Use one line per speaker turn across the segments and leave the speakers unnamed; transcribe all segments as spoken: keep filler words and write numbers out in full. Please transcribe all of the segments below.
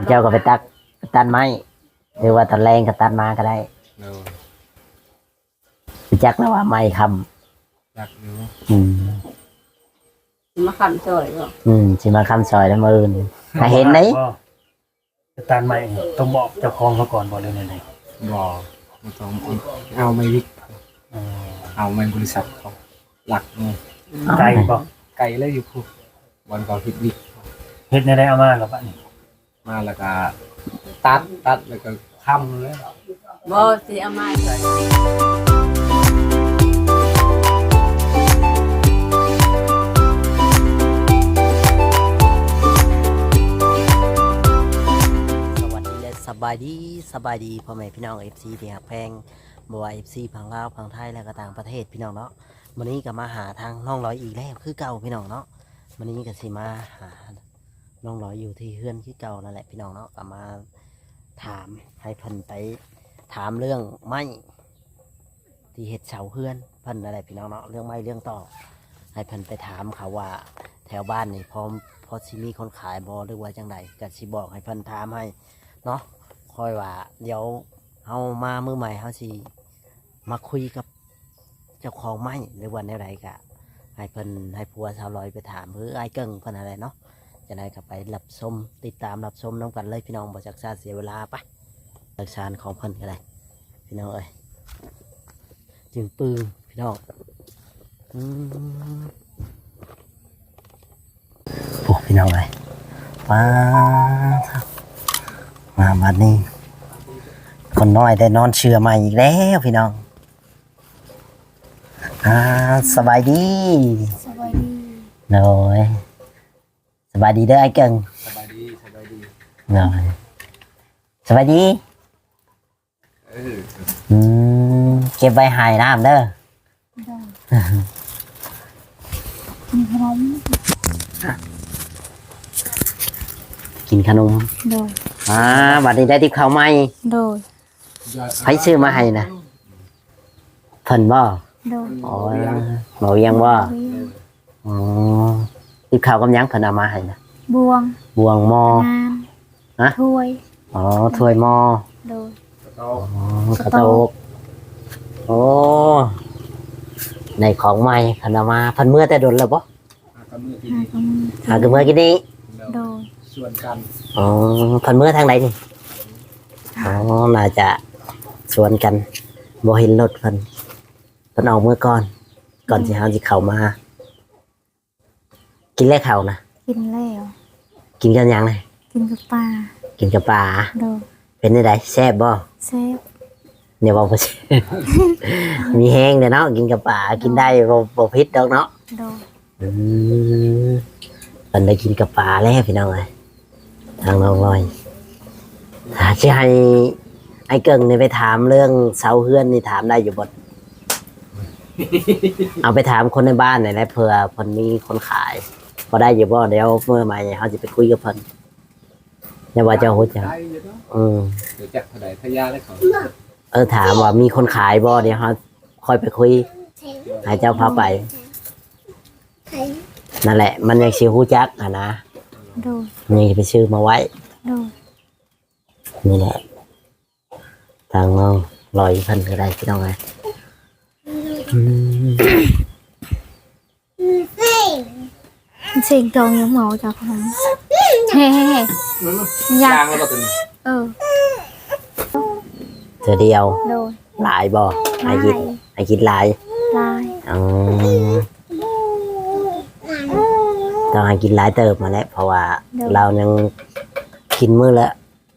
เจ้าก็ไปตักตัดไม้หรือว่าตอนแรงก็ตัดมาก็ได้จักแล้วว่าไม้คำ
จักอยู่
อืม
มาคำซอยบ่
อืมสิมาคำซอยแล้วมื้ออื่นถ้าเห็นไหน
ตัดไม้ต้องบอกเจ้าของเขาก่อนบ่เลยไหน
บ่บ่ต้องเอาไม่วิกเอาไม่บริษัทเขาหลักไง
ไก่บ่
ไก่เลยอยู่พุบอลก็ฮิตวิก
เฮ็ดในได้เอามากับบ้านนี่
มาแล้วก็ตัดตัดแล้วก็ค้ำเลย
บ่สิเอามาใส่
สบายดีสบายดีพ่อแม่พี่น้อง เอฟ ซี ที่ฮักแพงบ่ว่า เอฟ ซี พังลาวพังไทยและก็ต่างประเทศพี่น้องเนาะวันนี้ก็มาหาทางน้องร้อยอีกแล้วคือเก่าพี่น้องเนาะวันนี้ก็สิมาหาน้องร้อยอยู่ที่เฮือนคือเก่านั่นแหละพี่น้องเนาะก็มาถามให้เพิ่นไปถามเรื่องไม้ที่เฮ็ดเสาเฮือนเพิ่นนั่นแหละพี่น้องเนาะเรื่องไม้เรื่องต่อให้เพิ่นไปถามเขาว่าแถวบ้านนี่พอพอสิมีคนขายบ่หรือว่าจังใดก็สิบอกให้เพิ่นถามให้เนาะคอยว่าเดี๋ยวเอามามือใหม่เขาสิมาคุยกับเจ้าของไม้หรือว่าแนวใดกะให้เพิ่นให้ผัวสาวลอยไปถามหรือไอ้เกิ่งเพิ่นอะไรเนาะจะได้กับไปรับชมติดตามรับชมน้องกันเลยพี่น้องบ่จักซาเสียเวลาไปหลักฐานของเพิ่นก็ได้พี่น้องเอ้ยจึงปืนพี่น้องอืมโอ้พี่น้องเลยว้ามาบัดนี้คนน้อยได้นอนเชื่อใหม่อีกแล้วพี่น้องอ่าสบายดี
สบายดี
โดยสบายดีเด้อไอ้เก่ง
สบายดีสบายดี
โดยสบายดี
เออ
อืมเก็บไว้หายน้ำเด้อ
กินขนม
กินขนม
โดย
อ่าบัดนี้ได้ทิพย์ข้าวไหม
โดย
ใครซื้อมาให้นะเพิ่นบ่
โดย
อ๋อบ่เวียงบ่อ๋อทิพย์ข้าวกำยังเพิ่นเอามาให้นะ
บวง
บวงหม้อ
ฮะถ้วย
อ๋อถ้วยหม้อ
โดย
อ๋อกระโตกโอ้ในของใหม่เพิ่นเอามาเพิ่นเมื่อแต่ดนแล้วบ่หากับเมื่อกินนี้
โดย
ส่วนกัน
อ๋อเพิ่นเมื่อทางไหนนี่อ๋อน่าจะสวนกันบ่เห็นรถเพิ่นเพิ่นเอาเมื่อก่อนก่อนสิเฮาสิเข้ามากินแล้วเข้านะ
กินแล้ว
กินกันยังไง
กินกับปลา
กินกับปลา
โด
เป็นจังได๋แซ่บบ่
แซ่บ
เนี่ยบ่บ่มีแห้งเด้เนาะกินกับปลากินได้บ่บ่ผิดดอกเนาะ
โด
อืมเพิ่นได้กินกับปลาแล้วพี่น้องเอ้ยทางน้องลอยถ้าสิให้ไอ้เกิ่งนี่ไปถามเรื่องเสาเฮือนนี่ถามได้อยู่บ่เอาไปถามคนในบ้านหน่อยนะเผื่อเพิ่นมีคนขายพอได้อยู่บ่เดี๋ยวเมื่อใหม่เขาจะไปคุยกับเพิ่นอย่าว่าจะฮู้จักอืม
เดี๋ยวจักเท่าใดทะยาได้เขา
เออถามว่ามีคนขายบ่เดี๋ยวเขาค่อยไปคุยให้เจ้าพาไปนั่นแหละมันยังสิฮู้จักอ่ะนะ
โดย
นี่ไปซื้อมาไว้
โดย
นี่แหละทางน้องลอยเพิ่นก็ได้พี่น้องไง
เสียงตรงยังเหมาจากผมเฮ้
ยางแล้วก็ตัวนี้
เออ
เธอเดียว
โดย
หลายบ่ไอ้กินไอ้กินหลาย
หลาย
อ๋อต้องให้กินหลายเติบมาแล้วเพราะว่าเรายังกินมื้อละ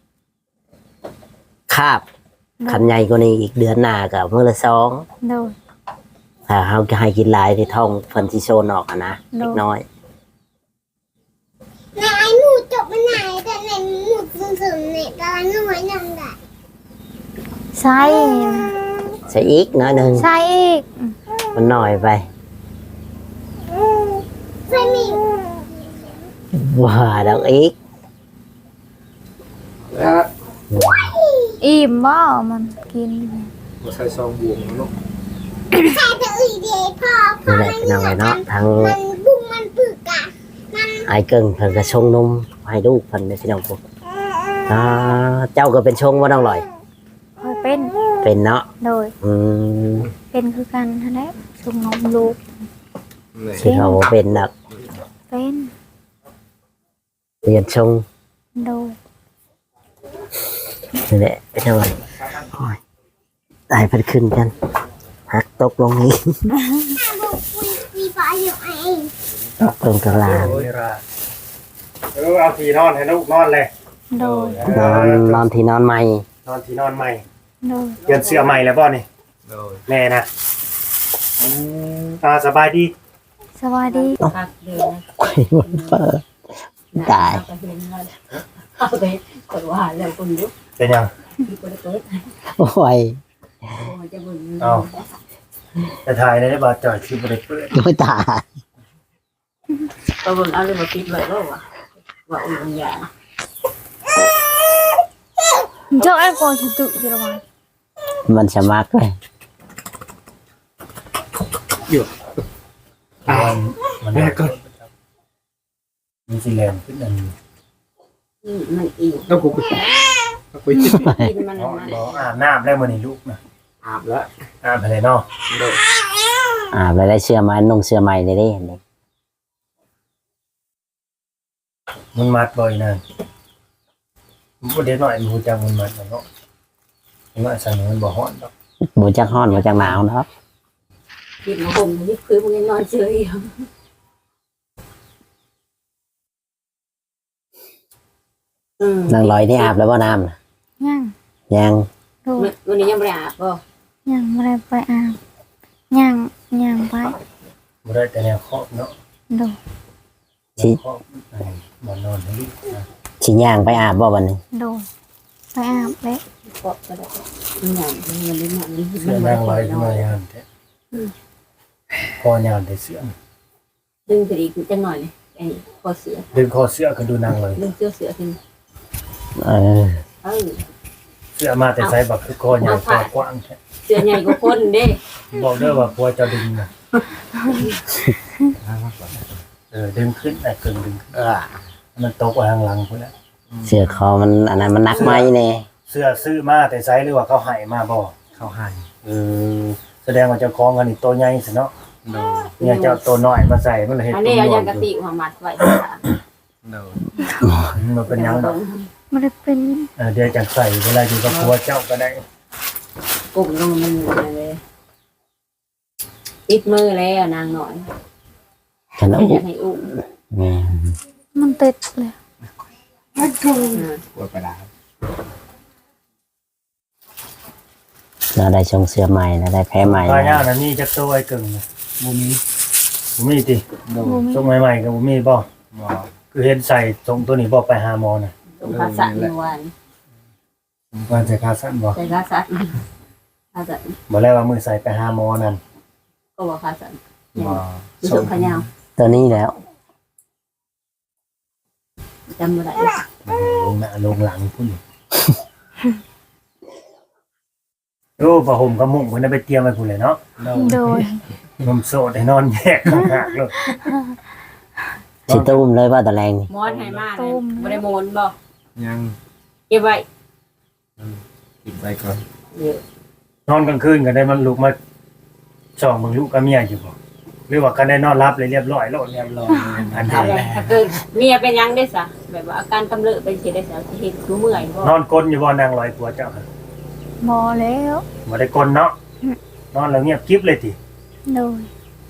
คาบคันใหญ่กว่านี้อีกเดือนหน้ากับมื้อละสอง
โดย
ถ้าเขาจะให้กินหลายที่ท้องเพิ่นสิโซนออกอ่ะนะเล็กน้อย
นายหนูจบมาไหนแต่ไหนหนูซึมๆเนี่ยตอนน้อยยังได้
ใช่
ใส่อีกน้อยนึง
ใช่อีก
มันหน่อยไป
ไม่มี
ว่าดอกอีก
อิ่มบ่มันกิน
ใส่ซองบวงเนาะ
ใช่แต่อื่นเดียวพอพอ
มันยังไงเนาะทาง
มันบุ้งมันปึกอะ
ไอ้เกิ่งเพิ่นก็ชงนมให้ลูกเพิ่นได้พี่น้องพวกอ่าเจ้าก็เป็นชงว่าน้องลอย
คอยเป็น
เป็นเนาะ
โดย
อืม
เป็นคือกันท่านแหละส่งนมลูก
สิเขาบ่เป็นนัก
เป็น
เรียนชง
โดย
นี่แหละไปทำไมโอ้ยตายเพันขึ้นกันหักตกลงนี้
มีปลาอยู่ไอ้
ตกลงกลาง
โอ้ยราเออเอาที่นอนให้ลูกนอนเลย
โดย
นอนนอนที่นอนใหม่
นอนที่นอนใหม่
โดย
เปลี่ยนเสื้อใหม่แล้วบ่นี่
โดย
แม่นะอืมอ่าสบายดี
สวัสดี
พักเดือน
ไข่มันเปิดตาย
เอาไปคนว่าแล้วคนยุบ
เป็นยัง
คนเปิด
โอ้ย
จะบุญ
เอาจะถ่ายได้บ่จ่อยคือบ่ได้เปิด
ไม่ตาย
ตัวบุญเอาเรื่องมาปิดไว้แล้วว่าว่าอุ่นยา
เจ้าไอ้กอชุดตุอยู่ระหว่าง
มันสมัครเลย
มันมันแรกก่อนมีสิแลนขึ้นอันนี้
มันอีก
แล้วกูไปกูไป
กินมัน
บ่
มัน
บ่อาบน้ำแล้วมื้อนี้ลูกนะ
อาบแล้ว
อาบไปเลยเนาะ
อ่าไปได้เสื้อใหม่นุ่งเสื้อใหม่เลยได้เห็นไหม
มันมัดบ่อยนั่นบ่เด็กน้อยมันฮู้จักมันมัดเนาะมันว่าสั่นมันบ่ฮ้อนดอก
บูจักฮ้อนบูจักหนาวเนาะ
กินมาห่มนี่คือมันนอนเฉย
นางลอยนี่อาบแล้วว่าน้ำน่ะ
ย่าง
ยัง
โดย
วันนี้ยังไม่อาบก็
ย่างไม่ได้ไปอาบย่างย่างไป
บ่ได้แต่แนวครอบเนาะ
โดย
แนวครอบไอ้บ่นอนให้ลูกนะ
ชิย่างไปอาบบ่วันนี้
โดยไปอาบแล้ว
ก็ก็ได้มันอย่างมันลิ้นมันลิ้น
เสื้อนางลอยขึ้นมายามแท้พอยามได้เสื้อ
ดึงไปอีกจังหน่อยเลยไอ้คอเสือ
ดึงคอเสื้อก็ดูนางลอย
ดึงเสื้อเสือขึ้น
เออ
เออ
เสื้อมาแต่ไซส์บักคือคอใหญ่คอกว้างแท้
เสือใหญ่กว่าคนเด้
บอกเด้อว่าพัวจะดึงนะเออดึงขึ้นแต่กึ่งดึงขึ้น
เออ
มันตกไว้ข้างหลังพุ่นแหละ
เสื้อคอมันอันนั้นมันหนักไหมเนี่ย
เสื้อซื้อมาแต่ไซส์หรือว่าเขาให้มาบ่
เขาให้
เออแสดงว่าเจ้าของอันนี้ตัวใหญ่สิเนาะ
โดย
เนี่ยเจ้าตัวน้อยมาใส่มันเลยเฮ็ด
อัน
ตัว
นี้เอา
น้
ยา
อย
กะติหัวมัดไว้
โดย
มันเป็นหยังดอก
ไม่ได้เป็น
เออเดี๋ยวจะใส่เวลาอยู่กับพัวเจ้าก็ได้
กลุ่มลงมันเลยติดมือแล้วนางหน่อย
ฉัน
อ
เอา
ยากให้อุ้ม
แม่
มันติดเลย
กลัวไปได้
เราได้ชงเสื้อใหม่เราได้แพ้ใหม่
ปลาย่าง
นะ
นั้นนี่จักตัวไอ้กึ่งน่ะ
บูมี
บ่มีติ
โดย
บูมี
ทรงใหม่ๆก็บ่มีบ่
บ่
คือเห็นใส่ทรงตัวนี้บ่ไปหาหมอน่ะ
ตรงภาษาเมื่อวาน
วันใส่ขาสั้นบ่
ใส่ภาษาภาษา
บ่แล้วว่ามือใส่ไปหาหมอนั่น
ก็บอกภาษา
บ่
ผู้ชมขยาว
ตัวนี้แล้ว
จำไม่ได้
ลงหน้าลงหลังพุ่น โอ้ผ้าห่มกับมุ้งเพิ่นเอาไปเตรียมไว้พุ่นเลยเนาะ
โดย
โดย
ผมโสดให้นอนแยกข้างหากเลย
ชิตุ้มเลยว่าตะแรงนี่
มอนให้มากเลยไม่ได้โมนบอก
ยัง
เก็บไว้
กินไปก่อน
เดี๋ยวน
อนกลางคืนก็ได้มันลุกมาส่องเบิ่งลูกกับเมียอยู่บ่หรือว่าก็ได้นอนรับเลยเรียบร้อยแล้ว
เรียบร้อย
อัน
เอา
นี้
เลยถ้าเกิดเมียเป็นยังได้สะแบบว่าอาการกำเริบเป็นเฉยได้สะเห็นรู้เมื่อยบ่
นอนกลนอยู่บ่นางลอยผัวเจ้าค่ะ
หมอแล้ว
บ่ได้กลนเนาะนอนแล้วเงียบกิ๊บเลยติ
โดย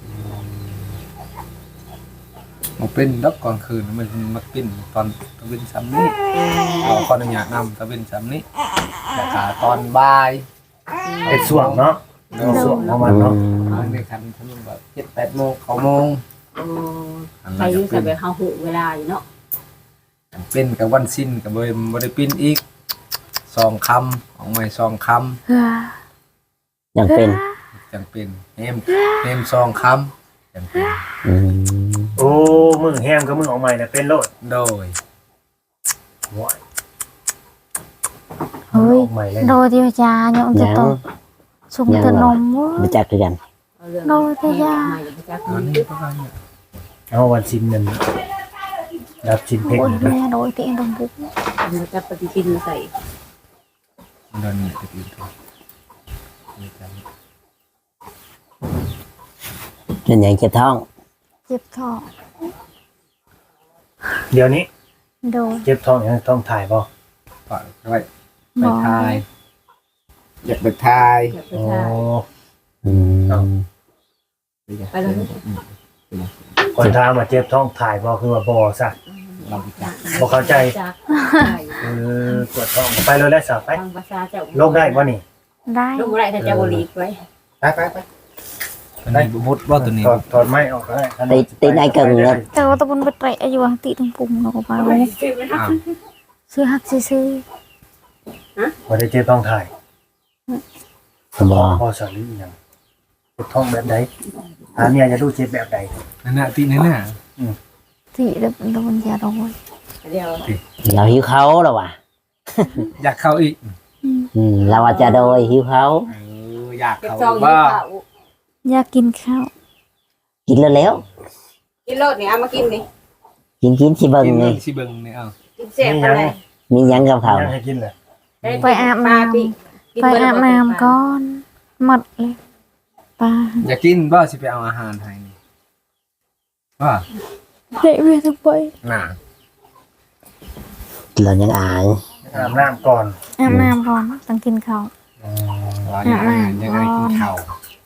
มาเป็นดับก่อนคืนมันมาปิ้นตอนตะเวนซ้ำนี้เราขออนุญาตนำตะเวนซ้ำนี้แต่ขาตอนบ่าย
เป็นส่วงเนาะเป็นส่วงของมันเนาะ
มันได้คันทั้งแบบเจ็ดแปดโมงเขาโมง
โอ้ใครรู้สึกแบบเฮาหูเวลาอยู่เนาะ
เป็นกับวันสิ้นกับบริบริปิ้นอีกสองคำของไม่สองค
เฮ้อ
ยังเป็น
ำจังเป็นเฮมเฮมสองคำจังเป็น
อืม
โอ้มือแฮมกับมือออกใหม่น่ะเป็นโลด
โดย
โอ้ย
เฮ้ย
ออกใหม่เลย
โดยที่จาเนี่ยมันจะ
ยัง
ต้องสุ่มแต่นมเว้ย
รู้จักด้วยกัน
เอาเรื่อง
โดยแต่ยา
ใหม่ไปจาก
ตอน
นี้
นี้ประมาณเนี่ย
เอาวันชินนั่นรับชินเพ่ง
โอ้ย
เด้อ
แม่โดยที่นมบุก
มันจะปฏิทินใส่
โดนนี่ตะกี้ตัวนี่จ
เป็นอย่างเจ็บท้อง
เจ็บท้อง
เดี๋ยวนี้
โดย
เจ็บท้องยังต้องถ่ายบ่
ำปล่อยไว้ไปทายอยากไปทาย
อยากไป
โอ้
ถ่าย
อืม
ไปเลย
คนถามว่าเจ็บท้องถ่ายบ่คือว่าบ่ซะ
เราไปจับ
บ่เข้าใจ
จาก
เออปวดท้องไปเลยแล้วซะไป
ทางภาษาเจ้า
โรคได้บ่นี่
ได้
ลูกไรถ้าเจ้าบริกไว้
ไปไปไป
ได้มุดว่าตัวนี้
ถอดถอดไม้ออกก็ได้
ตีตีในกึ่งเลย
แต่ว่าตะบนไปเตะอยู่ว่าติตรงปุ่มเราก็ไป
อ้าว
ซื้อหักซื้อ
บ่ได้เจ็บท้องถ่าย
บอ
พอสลีหยังเจ็บท้องแบบใดถามเนี่ยจะรู้เจ็บแบบใด
นั่นน่ะตีนั่นน่ะ
ติเดี๋ยวตะบนยาโดน
เดียว
เราหิวเขาแล้วว่ะ
อยากเข้าอีก
อืมเราอาจจะโดยหิวเขา
เอออยาก
เก็บ
เข้า
ซองยี่
บ้า
ข้าว
อยากกินข้าว
กินแล้วแล้ว
กินโลดเนี่ยเอามากินนี่
กินกินสิเบิ่ง
กิน
เล
เบิ่
ย
งสิเบิ่งนี่เอา
กินเสร็จไปเลย
มีหยังกับเขา
ยังให้กินเลย
ไปอาบน้ำไปอาบน้ำก่อนหมดเลยปลา
อยากกินบ่สิไปเอาอาหารให้นี่ว่า
เละเวียทั้งไป
น่ะ
เรายังอาย
อาบน้ำก่อน
อาบน้ำก่อนต้องกินข้าว
เราอยากอาหารยังไงกินข้าว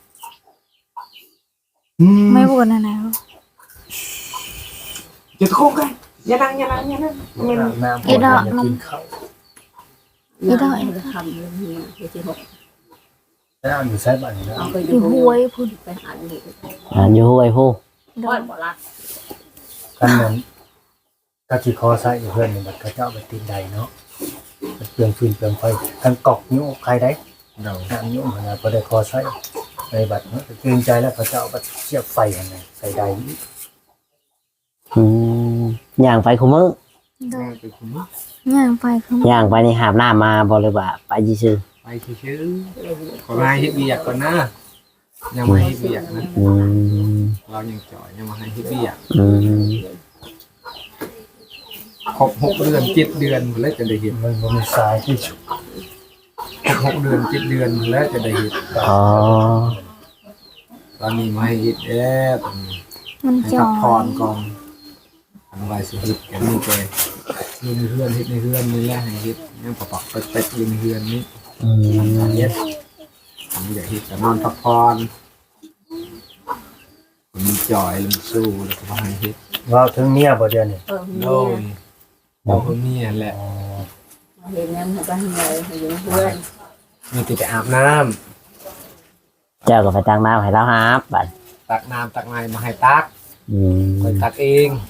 ไม่บ่นนะนะ
อย่าตะโกนกันอย่านั่งอย่านั่งอย่านั่ง
อาบน้ำก่อนจะกินข้าว
อีดอยจะทำอย่างนี้เดี๋ยวจะหก
แล้วอยู่ใช้บ้านนี่นะ
เอาไป
อ
ดู
ยู่ห้วยพุ่น
ไปหันดู
อ่าอยู่ห้วยผู้
โด
ทอด
น
บ่รัก
กันนั้นก็สิคอใส่อยู่เพื่อนนี่บัดเขาเจ้าไปตีนใดเนาะมันเปลืองฟืนเปลืองไฟกันกอกนิ้วใครได้
เรา
น้ำนิ้วมันนะบ่ได้คอใส่ในบัดเนาะเกรงใจแล้วเขาเจ้าเอาไปเสียบไฟหั่นน่ะใส่ใด
อืมย่างไปคุมือ
โดน
ไปคุณ
ย่างไปคือ
ย่างไปในหาบน้ามาบริบาไปซื่อ
ไปชื่อๆขอมาให้เบียกก่อนนะยังไม่ให้เบียกนะ
ๆอืม
เรายังจ่อยยังมาให้เบียก
อืม
ครบหกเดือนเจ็ดเดือนแล้วจะได้เห็น
มันบ่มีสายที่ฉุก
ครบหกเดือนเจ็ดเดือนแล้วจะได้เห็น
อ๋อ
ตอนนี้มาให้เห็ดแล้วตอนนี้
มัน
ให้
จ
พั
อก
ผ่อน
ย
ก่อนทำไว้สิเห็ดกันนี่ไปเฮ็ดในเฮือนเฮ็ดในเฮือนนี่แหละให้เฮ็ดยังปะปักเป็ดๆอยู่ในเฮือนนี่
อืม
เฮ็ดทำอยากเฮ็ดก็นอนพักผ่อนมีจ่อยลงสู้แล้วก็ให้เฮ็ด
เว้าถึงเมียบ่เดี๋ยวนี้
เออ
โล
เนี่ย
ยเราก็มีนั่นแหละ
อ๋อ
เห็นน้ำมันก็ให้เลยให้อยู่เพื่อน
มีแต่ไปอาบน้ำ
เจ้าก็ไปตั้งน้ำให้เราหาบบัด
ตักน้ำตักไม้มาให้ตัก
อืม
คอยตักเอง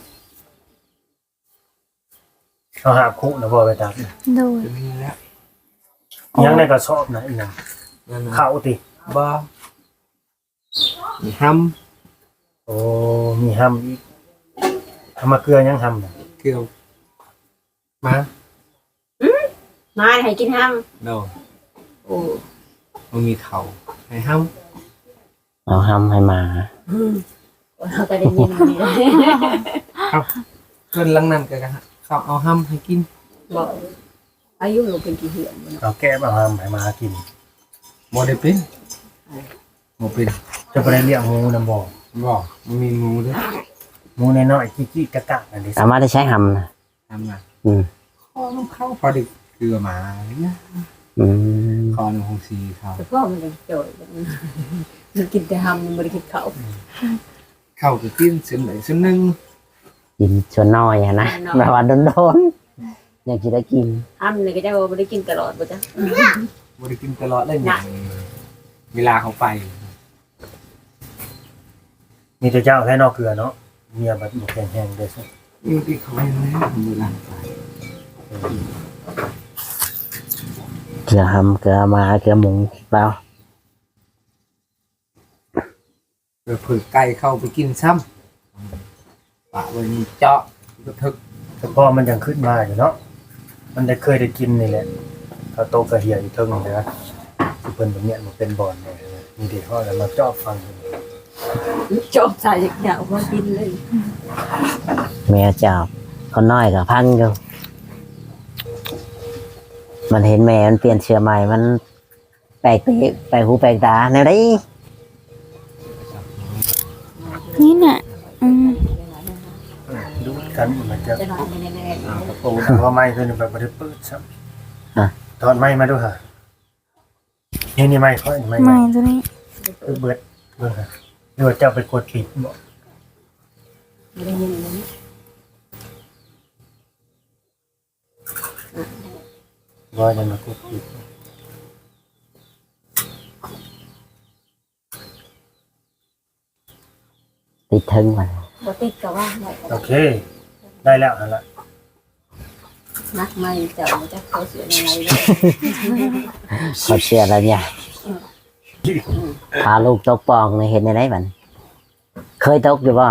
เอาหาคุนะบ่ไปตัก
โดน
จะมีแล้ว
ยังในกระสอบนะอีหยัง
นั่นนะ
เข้าติ
บ่มีห้
โอ้มีห้ำอีกทำมาเกลือยังห้ำน่ะ
ำเกลียวมา
มาให้กินห้าม
โน
โอ้
มันมีเขาให้ห้
เอาห้ำให้หมา
เราก็ได้ยินดีเลย
ำเกินลังนั้นก็เขาเอาห้ำให้กิน
บอกอายุเราเป็นกี่เหือนมัน
เอาแก้มาห้ำให้มากิน
บ่ได้เป็นบ่เป็น
จะไปได้เลี้ยงหมูนำบ่
บ่มันมีงูด้วย
หมูน้อยๆจี้ๆกะกะนั่นดิ
สามารถได้ใช้ห้ำนะ
ทำไง
อืม
คอน้ำเข้าพอดีเกลือหมาเนี่ย
อืม
คอน้ำคงซีเขา
แต่พ่อมันยังจ่อยมันกินแต่ห้ามมันไม่ได้กินเขา
เข้าก็กินเส้นไหนเส้นหนึ่ง
กินชวนน้อยอะนะแบบว่าโดนๆอยากจะได้กิน
ห้ามเนี่ยก็จะไม่ได้กินตลอดป่ะจ๊ะ
บ่ได้กินตลอดเลยเนี่ยเวลาเขาไป
มีแต่เจ้าแค่นอกเกลือเนาะเมียบัดบ่แข็งแรงเด้อซิ
อยู่ที่เขาเองนะเวลาไป
เกลือห้ำเกลือหมาเกลือหมูเรา
เผื่อผือไก่เข้าไปกินซ้ำปะไว้นี่เจาะกระทึก
แต่พอมันยังขึ้นมาอยู่เนาะมันได้เคยได้กินนี่แหละเขาโตกระเหี่ยอยู่เทิงนี่นะที่เพิ่นบ่เนี่ยมันเป็นบ่อนเนี่ยมีเด็กเขาแล้วมาจอบฟังอยู่
จบใส่อยากมากินเลย
แม่จับคนน้อยกับพังอยู่มันเห็นแม่มันเปลี่ยนเสื้อใหม่มันแปลกไปแปลกหูแปลกตาแนวนี้
นี่น่ะอืม
ดูกันมันจะ
จะนอนแน่
อ่ากระโปรง
เพราะว่าไม้ตัวนี้แบบบ่ได้เปิดซ้ำถอดไม้มาดูค่ะนี่นี่ไม้เขาไม้
ไม่ตัวนี้
เบิดเบิ่งค่ะหรือว่าเจ้าไปกดปิดบ่
ๆไม่ได้ยินเลย
บ่จะมากดปิด
ติดทึงมัน
บ่ติดก็ว่าไว้
โอเค ได้แล้วนั่นละ
นักไม่เจ้าจะเขาเสียยังไงเลย
เขาเชื่อแล้วเนี่ยพาลูกตกปองในเห็นในไหนบันเคยตกอยู่บ่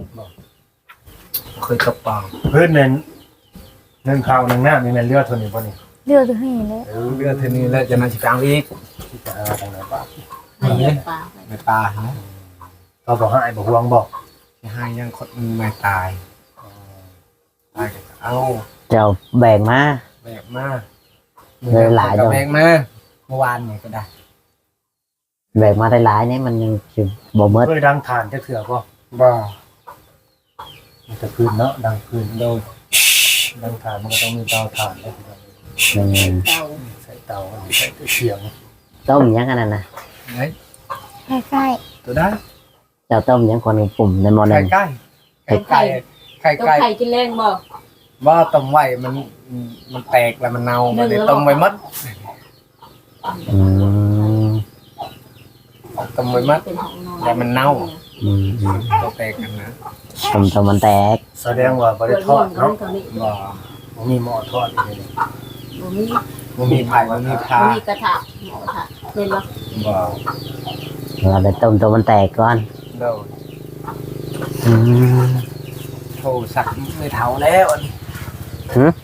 เคยตกปลา
เพื่อนเน้นหนึ่งข้าวหนึ่งน้ำนี่แม่นเลือดเท่านี้บ่นี่
เลือกตัวนี้เลย
เออเรือเทนี้แล้วจะนั่งสิกลางอีก
ที่จะหาทางไหนปะ
ให้เลี้ยงปลา
ไม่ตายนะ
เราบอกให้บ่ห่วงบอก
ที่ให้ยังคนไม่ตายตายก็เอา
เจ้าแบ่งมา
แบกมา
เลยหลาย
จั
จั
ง
ง
แบกมาเมื่อวานนี่ก็ได้
แบ่งมาได้หลายๆเนี่ยมันยังสิบ่เมิด
เคยดังฐานจะเถื่อบ่
บ่
มันจะพื้นเนาะดังพื้น
โดย
ดังฐานมันก็ต้องมีเตาถ่านได้
อืม
เจ้า
ใส่เตาอันนี้ใส่เสียง
ต้มยังกันนั่นนะ
ไหน
ใกล้
ตัวได้
เจ้าต้มยังคนปุ่มในหมอห
ไข่
นึ่ง
ไก่ไข่ไก่ไข่
ต้อง
ไก่
ไข่กินแรงบ่
ว่าต้มไว้มันมันแตกแล้วมันเน่ามันเลยต้มไว้มัด
อืม
ต้มไว้มัด
เป็นของนอน
แต่มันเน่า
อืมอืม
ตัวแตกกันนะ
ต้มต้มมันแตก
แสดงว่าบ่ได้ทอดเนาะ
บ่
บ่มีหม้อทอดนี่
บ่มี
มันมีไผ่มันมีพา
บ่มีกระทะหมอกระทะเป็นบ่
บ่
เราได้ต้มตัวมันแตกก่อน
โดย
อืม
โทรศัพท์ไม่เท่าแล้วอันนี้
หืม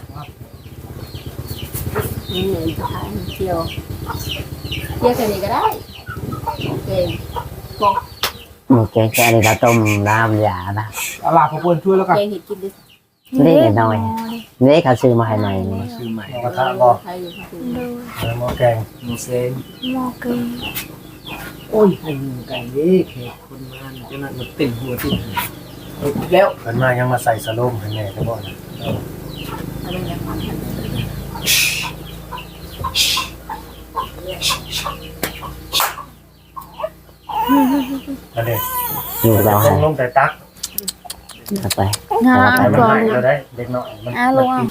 นี่เงินกระทะเที่ยวเที่ยวแค่นี้ก็ได้โอเคบอก
โอเคแค่นี้เราต้มน้ำยานะ
เอาล่ะพอเพิ่นช่วยแล้วกัน
แกงเห็ดกินดิ
ๆ
นี่หน่อย นี่เขาซื้อมาให้หน่อยนี่
ซื้อใหม่
หม้อกระทะบ่
ใครอยู่ข้างบน
ดู
แล้วหม้อแกง
มูเซน
หมอเกง
โอ้ยให้หนึ่งไก่นี่แขกคนมาจะนั่นมันติ่งหัวติ่งหัวเอาอีกแล้ว
เพิ่นมายังมาใส่สโลมให้แม่ก็บ่นะ
อะไรอย่างนั้น
นั่นเด้
อยู่เรา
ล
ให้
งลงแต่ตัก
เอาไป
งาน
ให้มัน
ก่อน
ให้เราได้เด็กน้อยมัน
อ้าลงอ่ะ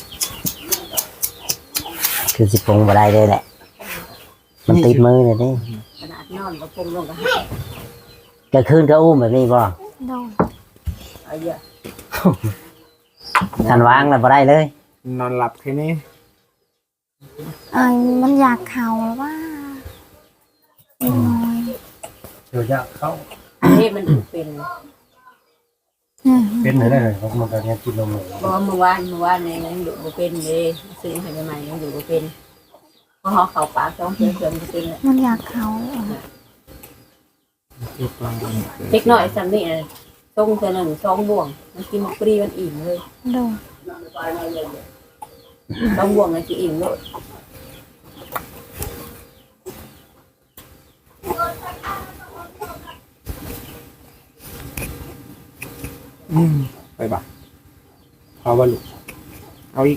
คือสิปรุงมาได้เลยแหละ มันติดมือเลยนี่
ขนาดนอนก็ปรุงลงก็หาย
กลางคืนก็อุ้มแบบนี้บ่
โดน
เอาเยอะ
ทันวางแล้วบ่ได้เลย
นอนหลับแค่นี้
ไอ้มันอยากเข่าแล้วว่าน้อย
เดี๋ยวยากเข้า
เฮ็ดมันเป็น
อืม
เป็นได้เลยเพราะมันก็ยังกินนมอยู่
เพราะว่าเมื่อวานเมื่อวานเนี่ยยังอยู่บ่เป็นเลยซื้อให้ใหม่ๆยังอยู่บ่เป็นเพราะเขาเข้าปากต้องเพื่อนเพื่อนบ่เป็นเลย
มันอยากเข่า
เล็กน้อยซ้ำนี่น่ะส่งเทื่อหนึงสองบ่วงมันกินฟรีมันอิ่มเลย
โดน
สองบ่วงมันสิอิ่มเลย
อืมไปบ่ะเอาว่าลูกเอาอีก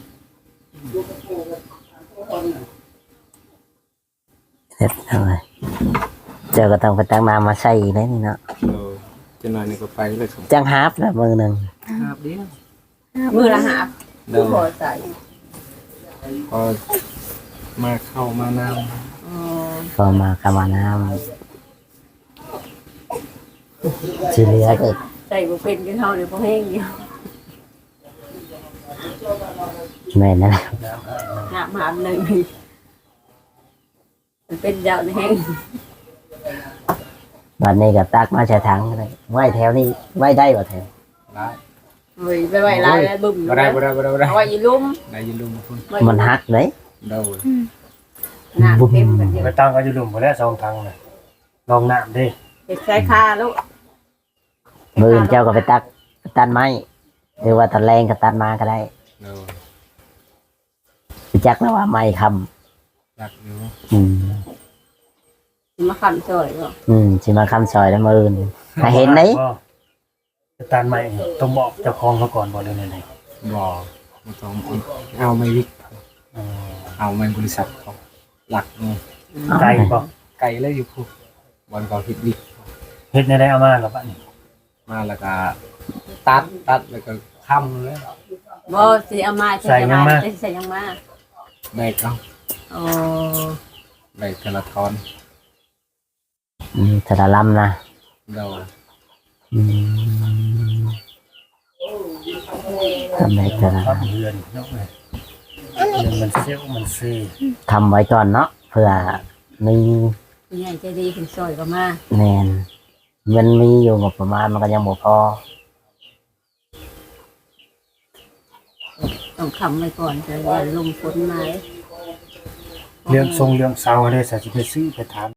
เสร็จเอาไงเจอก็ต้องไปตั้งน้ำมาใส่อีกแล้วนี่เนาะ
เออจะนอนนี่ก็ไปเลยครับ
จังฮาร์ปนะมือหนึ่ง
ครับเดียว
มือละหาบ
เดิน
พอใส่
พอมาเข้ามานำ
อ๋อ
ก็มากำมาน้ำสีเหลือก็
ใส่บ่เป็นก็เฮานี่บ่แห้งเดียว
แม่นนั่นแหละ
น้ำหาบหนึงมันเป็นยาวในแห้ง
วันนี้ก็ตักมาใช้ถังเลยไว้แถวนี้ไว้ได้บ่แถว
ได้
เฮ้ยไปไว้ลายแล้วบึ้ม
บ่ได้บ่ได้บ่ได้บ่ได้
เอาไว้อีลุ่ม
ได้ยินลุงคุณ
ไว้
มันหักเลย
เดา
น้ำเต็มกันเดียว
ไปตั้งก็อยู่หลุมบ่แล้วสองทางน่ะลองน้ำดิ
เฮ็ดใส่คาลูก
มือเจ้าก็ไปตักตัดไม้หรือว่าตะแรงก็ตัดมาก็ได้
เดา
รู้จักแล้วว่าไม่ค
อยากอยู่
ำอืม
มาคำซอยก็
อืมสิมาคำซอยแล้วมืออื่นถ้าเห็นไหน
จะตานใหม่ต้องบอกเจ้าของเขาก่อนบอกเลยไหน
บ่บ่ต้องเอาไม่วิก
ๆอ๋อ
เอาไม่บริษัทเขาหลักนี่
ไก่บ่
ไกลเลยอยู่พูดวันก่อนฮิตวิก
เฮ็ดในได้เอามาแล้วบัดนี้
มาแล้วก็ตัดตัดแล้วก็ค้ำเลย
บ่สิเอามาใส่ยังมาใส่ยังมา
แบกเอา
อ๋อ
แบกกระทอน
อืมสารลำนะ
เรา
อืมทำได้สาร
ครับเรือนเนาะเอ้ยเรือนมันเซลมันเซ่
ทำไว้ก่อนเนาะเพื่อมี
ผู้ใหญ่ใจดีถึงซอยก็มา
แนนมันมีอยู่งบประมาณมันก็ยังบ่พอ
ต้องคำไว้ก่อนจะอย่าลงฝนมา
เรื่องทรงเรื่องเสาอะไรสักสิไปซื้อไปถาม